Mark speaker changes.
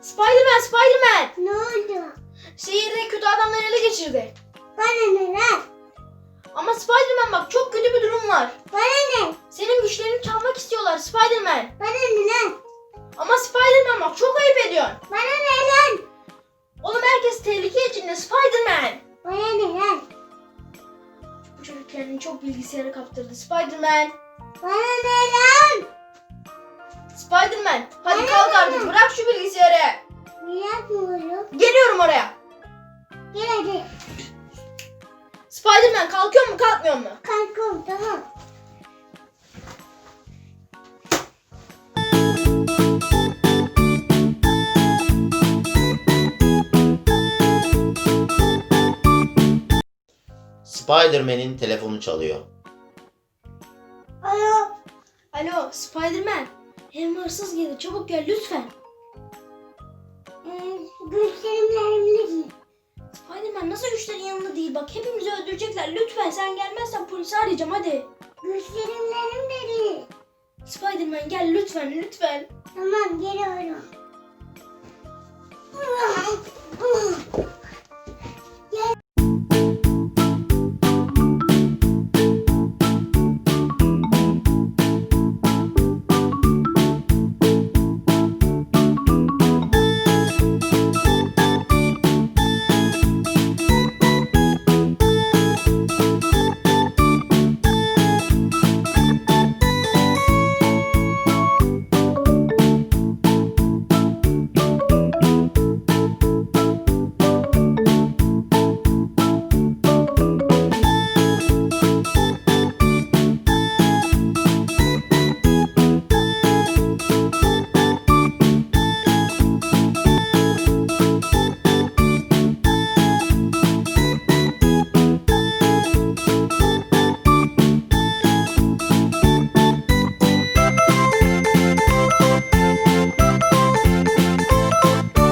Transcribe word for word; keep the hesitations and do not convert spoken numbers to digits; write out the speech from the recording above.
Speaker 1: Spiderman, Spiderman.
Speaker 2: Ne oldu?
Speaker 1: Şehirde kötü adamlar ele geçirdi.
Speaker 2: Bana ne lan?
Speaker 1: Ama Spiderman bak çok kötü bir durum var.
Speaker 2: Bana ne?
Speaker 1: Senin güçlerini çalmak istiyorlar Spiderman.
Speaker 2: Bana ne lan?
Speaker 1: Ama Spiderman bak çok ayıp ediyorsun.
Speaker 2: Bana ne lan?
Speaker 1: Oğlum herkes tehlike içinde Spiderman.
Speaker 2: Bana ne lan?
Speaker 1: Bu çocuk kendini çok bilgisayara kaptırdı Spiderman.
Speaker 2: Bana ne lan?
Speaker 1: Spiderman hadi
Speaker 2: Bana
Speaker 1: kalk
Speaker 2: ne?
Speaker 1: artık bırak şu bilgisayarı.
Speaker 2: Ne yapıyorum?
Speaker 1: Geliyorum oraya.
Speaker 2: Gel hadi.
Speaker 1: Spiderman kalkıyor mu kalkmıyor mu?
Speaker 2: Kalkıyorum tamam.
Speaker 3: Spider-Man'in telefonu çalıyor.
Speaker 2: Alo.
Speaker 1: Alo Spiderman. Hem hırsız geldi çabuk gel lütfen.
Speaker 2: Ee, güçlerimle elimle değil.
Speaker 1: Spiderman nasıl güçlerin yanında değil bak hepimizi öldürecekler lütfen sen gelmezsen polisi arayacağım hadi.
Speaker 2: Güçlerimle elimle değil.
Speaker 1: Spiderman gel lütfen lütfen.
Speaker 2: Tamam geliyorum.